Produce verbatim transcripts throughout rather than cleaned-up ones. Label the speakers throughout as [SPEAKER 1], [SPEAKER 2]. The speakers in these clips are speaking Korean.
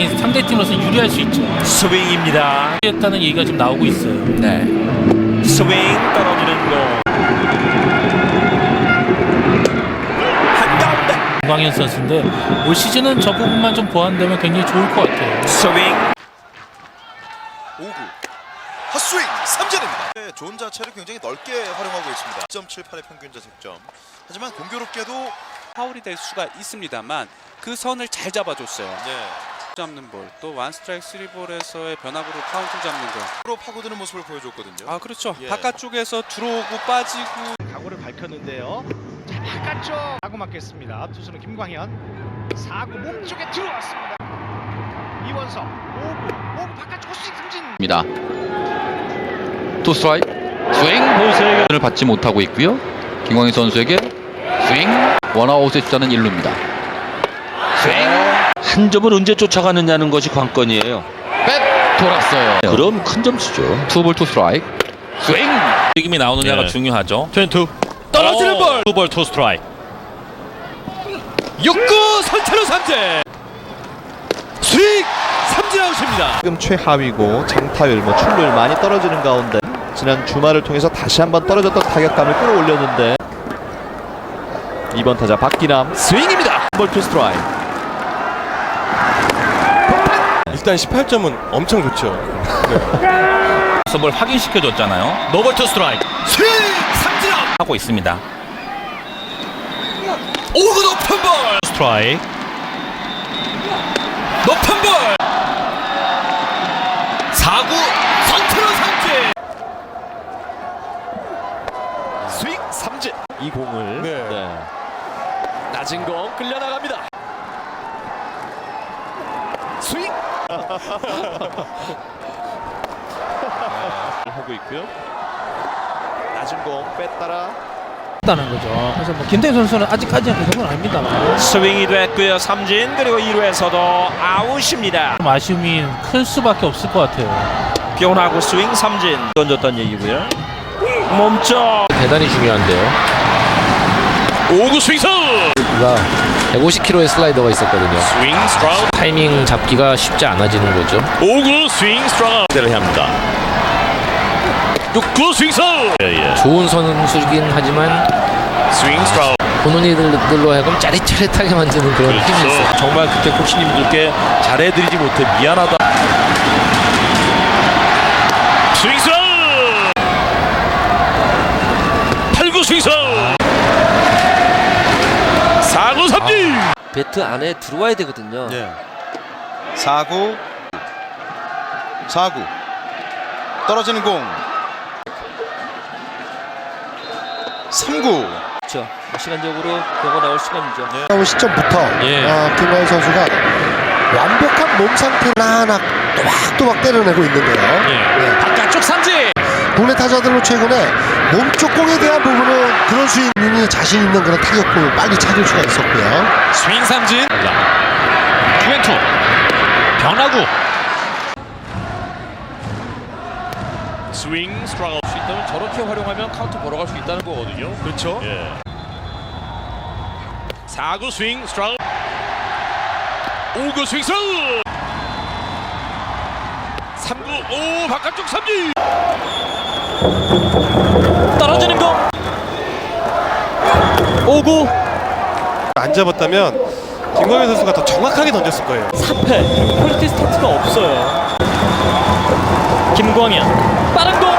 [SPEAKER 1] 굉장히 상대팀으로서 유리할 수 있죠.
[SPEAKER 2] 스윙입니다.
[SPEAKER 1] 했다는 얘기가 좀 나오고 있어요.
[SPEAKER 2] 네. 스윙 떨어지는 공. 한가운데.
[SPEAKER 1] 김광현 선수인데 올 시즌은 저 부분만 좀 보완되면 굉장히 좋을 것 같아요.
[SPEAKER 2] 스윙.
[SPEAKER 3] 오 구 헛스윙 삼진입니다. 네, 존 자체를 굉장히 넓게 활용하고 있습니다. 일 점 칠팔의 평균 자책점. 하지만 공교롭게도
[SPEAKER 4] 파울이 될 수가 있습니다만 그 선을 잘 잡아줬어요.
[SPEAKER 3] 네,
[SPEAKER 4] 잡는 볼, 또 원 스트라이크 쓰리 볼에서의 변화구로 카운트 잡는 거.
[SPEAKER 3] 프로 파고드는 모습을 보여줬거든요.
[SPEAKER 4] 아 그렇죠.
[SPEAKER 3] 예.
[SPEAKER 4] 바깥쪽에서 들어오고 빠지고.
[SPEAKER 5] 각오를 밝혔는데요. 자, 바깥쪽 사구 맞겠습니다. 투수는 김광현. 사구 몸쪽에 들어왔습니다. 이원석 오 구 오 구 바깥쪽 헛스윙 삼진.
[SPEAKER 6] 입니다. 투 스트라이크 스윙 볼을 받지 못하고 있고요. 김광희 선수에게 스윙 원아웃에 주자는 일 루입니다. 스윙
[SPEAKER 7] 한 점을 언제 쫓아가느냐는 것이 관건이에요.
[SPEAKER 6] 백 돌았어요.
[SPEAKER 7] 그럼 큰 점수죠.
[SPEAKER 6] 투볼 투 스트라이크 스윙
[SPEAKER 2] 움직임이 나오느냐가
[SPEAKER 7] 네.
[SPEAKER 2] 중요하죠.
[SPEAKER 7] 투
[SPEAKER 2] 떨어지는 볼.
[SPEAKER 7] 투볼 투 스트라이크. 육 구 선체로 삼진. 스윙 삼진 아웃입니다.
[SPEAKER 8] 지금 최하위고 장타율, 뭐 출루율 많이 떨어지는 가운데 지난 주말을 통해서 다시 한번 떨어졌던 타격감을 끌어올렸는데 이번 타자 박기남 스윙입니다. 볼 투 스트라이크.
[SPEAKER 9] 일단 십팔 점은 엄청 좋죠.
[SPEAKER 2] 뭘 확인시켜줬잖아요.
[SPEAKER 7] 노볼 투 스트라이크. 스윙 삼진 아웃.
[SPEAKER 2] 하고 있습니다.
[SPEAKER 7] 오 구 높은 볼. 스트라이크. 높은 볼. 사 구 선체로 삼진.
[SPEAKER 8] 스윙 삼진. 이 공을
[SPEAKER 9] 네.
[SPEAKER 8] 네. 낮은 공 끌려 나갑니다. 스윙. 하고 있고요. 낮은 공 뺐다라.
[SPEAKER 10] 다는 거죠. 그래서 뭐 김태균 선수는 아직까지는 그 정도는 아닙니다만
[SPEAKER 2] 스윙이 됐고요. 삼진. 그리고 이 루에서도 아웃입니다.
[SPEAKER 1] 좀 아쉬움이 클 수밖에 없을 것 같아요.
[SPEAKER 2] 변화구 스윙 삼진 던졌던 얘기고요. 몸쪽
[SPEAKER 6] 대단히 중요한데요.
[SPEAKER 7] 오 구 스윙스.
[SPEAKER 6] 백오십 킬로그램의 슬라이더가 있었거든요.
[SPEAKER 7] 스윙 스트라우드.
[SPEAKER 6] 타이밍 잡기가 쉽지 않아지는 거죠.
[SPEAKER 7] 오 구 스윙 스트라우드. 대를 합니다. 육 구 스윙스. 예, 예.
[SPEAKER 6] 좋은 선수이긴 하지만
[SPEAKER 7] 스윙 스트라우드.
[SPEAKER 6] 본인들로 하여금 짜릿짜릿하게 만드는 그런 힘이 있어요.
[SPEAKER 7] 정말 그때 코치님들께 잘해드리지 못해 미안하다. 스윙 스트라우드. 팔 구 스윙스. 사 구 삼진.
[SPEAKER 10] 배트 안에 들어와야 되거든요.
[SPEAKER 3] 네. 사 구 사 구 떨어지는 공. 삼 구.
[SPEAKER 10] 그렇죠. 시간적으로 경고 나올 시간이죠.
[SPEAKER 3] 네.
[SPEAKER 5] 나온 시점부터
[SPEAKER 6] 예.
[SPEAKER 5] 어, 김광현 선수가 완벽한 몸 상태를 하나하나 또박또박 때려내고 있는데요. 네.
[SPEAKER 6] 바깥쪽 삼진.
[SPEAKER 5] 국내 타자들로 최근에 몸쪽 공에 대한 부분은 그런 스윙이 자신 있는 그런 타격을 빨리 찾을 수가 있었고요.
[SPEAKER 7] 스윙 삼진. 투앤투. 변화구. 스윙 스트라우드. 수 있다면 저렇게 활용하면 카운트 보러 갈 수 있다는 거거든요. 그렇죠. 예. 사 구 스윙 스트라우드. 오 구 스윙 스트라우드. 삼 구 오 바깥쪽 삼진.
[SPEAKER 10] 떨어지는 거. 오 구
[SPEAKER 9] 안 잡았다면 김광현 선수가 더 정확하게 던졌을 거예요.
[SPEAKER 10] 삼 패. 퀄리티 스타트가 없어요. 김광현 빠른 공.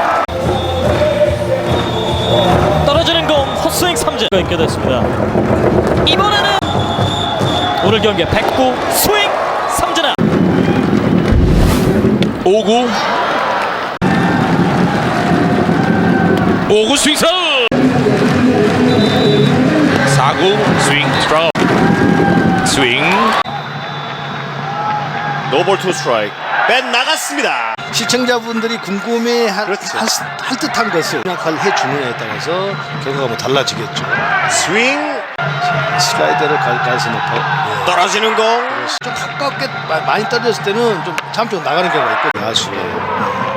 [SPEAKER 10] 떨어지는 공 헛스윙 삼진가 있게 됐습니다. 이번에는 오늘 경기에 백 구 스윙 삼진아.
[SPEAKER 7] 오 구 오 구 스윙 스트라우드. 사 구 스윙 스트라우드. 스윙. 노볼 투 스트라이크. 뺀 나갔습니다.
[SPEAKER 5] 시청자분들이 궁금해할 할 듯한 것을 생각을 해주느냐에 따라서 결과가 뭐 달라지겠죠.
[SPEAKER 7] 스윙.
[SPEAKER 5] 슬라이더를 갈 가능성이 높아.
[SPEAKER 7] 떨어지는 공.
[SPEAKER 5] 좀 가깝게 마- 많이 떨어졌을 때는 좀 잠좀 나가는 경우가 있거든요. 아쉬워요.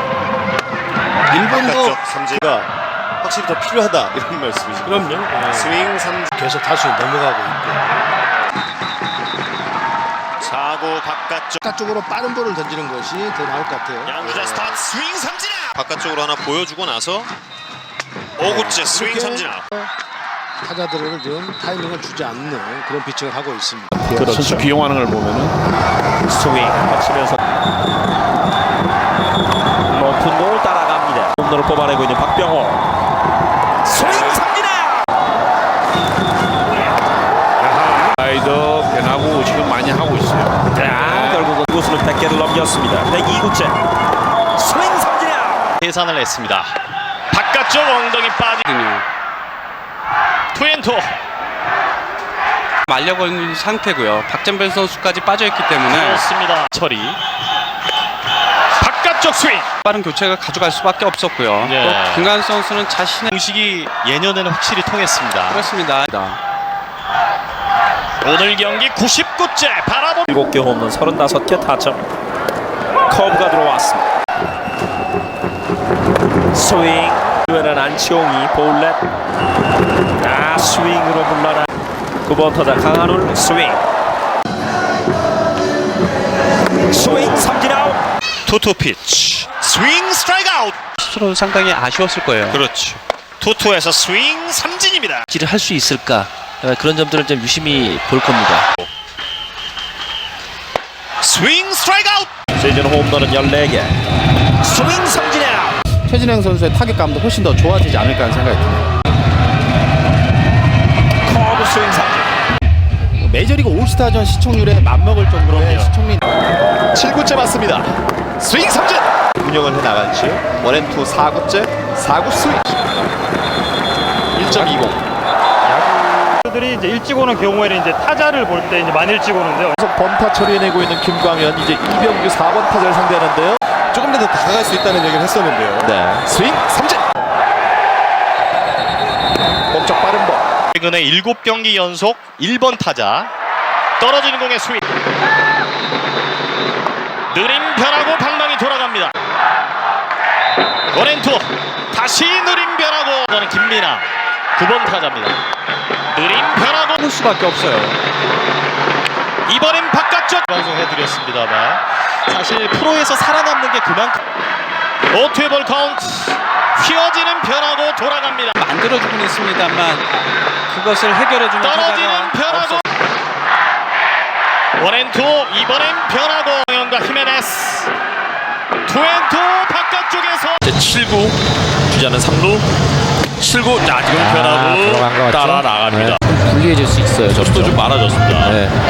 [SPEAKER 5] 일본도
[SPEAKER 7] 삼진가 확실히 더 필요하다 이런 말씀이시죠?
[SPEAKER 5] 그럼요. 네.
[SPEAKER 7] 스윙 삼진.
[SPEAKER 5] 계속 다수 넘어가고 있고.
[SPEAKER 7] 사 구
[SPEAKER 3] 바깥쪽
[SPEAKER 5] 바깥쪽으로 빠른 볼을 던지는 것이 더 나을 것 같아요.
[SPEAKER 3] 양주자 스타트 스윙 삼진 아웃. 바깥쪽으로 하나 보여주고 나서 오 구째 스윙
[SPEAKER 5] 이렇게
[SPEAKER 3] 삼진 아웃.
[SPEAKER 5] 타자들을 좀 타이밍을 주지 않는 그런 피칭을 하고 있습니다.
[SPEAKER 7] 선수 기용하는 걸 보면은
[SPEAKER 2] 스윙 맞추면서 높은 볼 따라갑니다. 홈런을 뽑아내고 있는 박병호. 스윙 삼진 아웃.
[SPEAKER 7] 라이더 변하고 지금 많이 하고 있어요.
[SPEAKER 2] 자, 결국은 구수는 백 개를 넘겼습니다. 백이 구째 스윙 삼진 아웃.
[SPEAKER 7] 계산을 했습니다. 바깥쪽 엉덩이 빠지거든요. 투앤투.
[SPEAKER 4] 말려고 있는 상태고요. 박정변 선수까지 빠져있기 때문에
[SPEAKER 7] 그렇습니다. 처리. 바깥쪽 스윙.
[SPEAKER 4] 빠른 교체가 가져갈 수밖에 없었고요.
[SPEAKER 7] 예.
[SPEAKER 4] 또 김광현 선수는 자신의
[SPEAKER 7] 공식이 예년에는 확실히 통했습니다.
[SPEAKER 4] 그렇습니다.
[SPEAKER 7] 오늘 경기 구십구 째 바라보
[SPEAKER 2] 일곱 개 홈런 서른다섯 개 타점. 커브가 들어왔습니다. 스윙. 이번에는 안치홍이 볼넷. 아, 스윙으로 물러나. 구 번 타자 강한울 스윙. 스윙 삼진 아웃.
[SPEAKER 7] 투투 피치. 스윙 스트라이크 아웃.
[SPEAKER 4] 스스로는 상당히 아쉬웠을 거예요.
[SPEAKER 7] 그렇죠. 투투에서 스윙 삼진입니다.
[SPEAKER 10] 를 할 수 있을까? 그런 점들을 좀 유심히 볼 겁니다.
[SPEAKER 7] 스윙 스트라이크 아웃.
[SPEAKER 2] 시즌 홈런은 열네 개. 스윙 삼진 아웃.
[SPEAKER 8] 최진행 선수의 타격감도 훨씬 더 좋아지지 않을까 하는 생각이 드네요.
[SPEAKER 2] 커브 스윙 삼진.
[SPEAKER 8] 메이저리그 올스타전 시청률에 맞먹을 정도의 시청률. 칠 구째 맞습니다. 스윙 삼진. 운영을 해 나갈지 원앤투 사 구째 사 구 스윙. 일 점 이공.
[SPEAKER 5] 들이 이제 일찍 오는 경우에는 이제 타자를 볼 때 이제 많이 일찍 오는데요.
[SPEAKER 8] 계속 번타 처리해내고 있는 김광현, 이제 이병규 사 번 타자를 상대하는데요.
[SPEAKER 9] 조금 더 다가갈 수 있다는 얘기를 했었는데요.
[SPEAKER 8] 네, 스윙 삼진. 멈쩍 빠른 볼.
[SPEAKER 7] 최근에 일곱 경기 연속 일 번 타자. 떨어지는 공의 스윙. 느림 변하고 방망이 돌아갑니다. 원앤투. 다시 느림 변하고. 저는 김민아 구 번 타자입니다. 느림 변하고
[SPEAKER 4] 할 수밖에 없어요.
[SPEAKER 7] 이번엔 바깥쪽 방송해드렸습니다만 사실 프로에서 살아남는 게 그만큼 오투의 볼 카운트. 휘어지는 변하고 돌아갑니다.
[SPEAKER 4] 만들어주곤 있습니다만 그것을 해결해주는
[SPEAKER 7] 떨어지는
[SPEAKER 4] 타자가
[SPEAKER 7] 변하고 원앤투. 이번엔 변하고 영현과 히메네스 투앤투 바깥쪽에서 칠 구 주자는 삼 루 칠 구. 자, 지금 변하고 따라 나갑니다.
[SPEAKER 10] 불리해질 수 있어요.
[SPEAKER 7] 점수도 좀 많아졌습니다.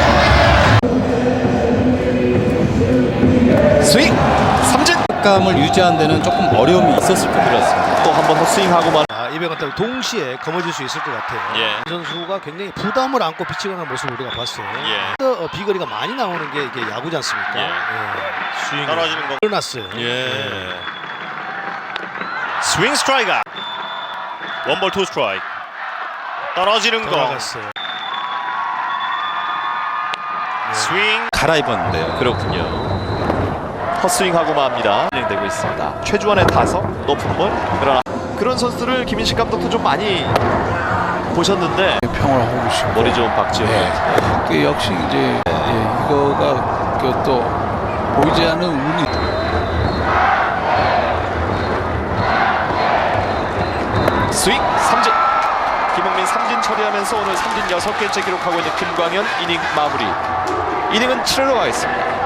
[SPEAKER 8] 스윙 삼진.
[SPEAKER 6] 감을 유지하는 데는 조금 어려움이 있었을 것 같습니다.
[SPEAKER 8] 또 한 번 헛스윙하고만.
[SPEAKER 5] 아, 이병헌 동시에 거머쥘 수 있을 것 같아요.
[SPEAKER 7] 예.
[SPEAKER 5] 이 선수가 굉장히 부담을 안고 피칭하는 모습을 우리가 봤어요.
[SPEAKER 7] 예.
[SPEAKER 5] 어, 비거리가 많이 나오는 게 이게 야구지 않습니까?
[SPEAKER 7] 예.
[SPEAKER 5] 스윙이
[SPEAKER 7] 떨어지는 거.
[SPEAKER 5] 일어났어요.
[SPEAKER 7] 예. 스윙 스트라이크. 원볼 투 스트라이크. 떨어지는 거.
[SPEAKER 5] 돌아갔어요.
[SPEAKER 7] 스윙.
[SPEAKER 8] 갈아입었는데요. 그렇군요. 헛스윙하고 맙니다. 진행되고 있습니다. 최주환의 타석 높은 볼. 그러나 그런 선수들을 김인식 감독도 좀 많이 보셨는데
[SPEAKER 6] 평을 하고 싶고
[SPEAKER 8] 머리 좋은 박지호.
[SPEAKER 6] 그 역시 이제 예, 이거가 그 또 보이지 않는 운이
[SPEAKER 8] 스윙 삼진. 김홍민 삼진 처리하면서 오늘 삼진 여섯 개째 기록하고 있는 김광현. 이닝 마무리. 이닝은 칠 회로 가겠습니다.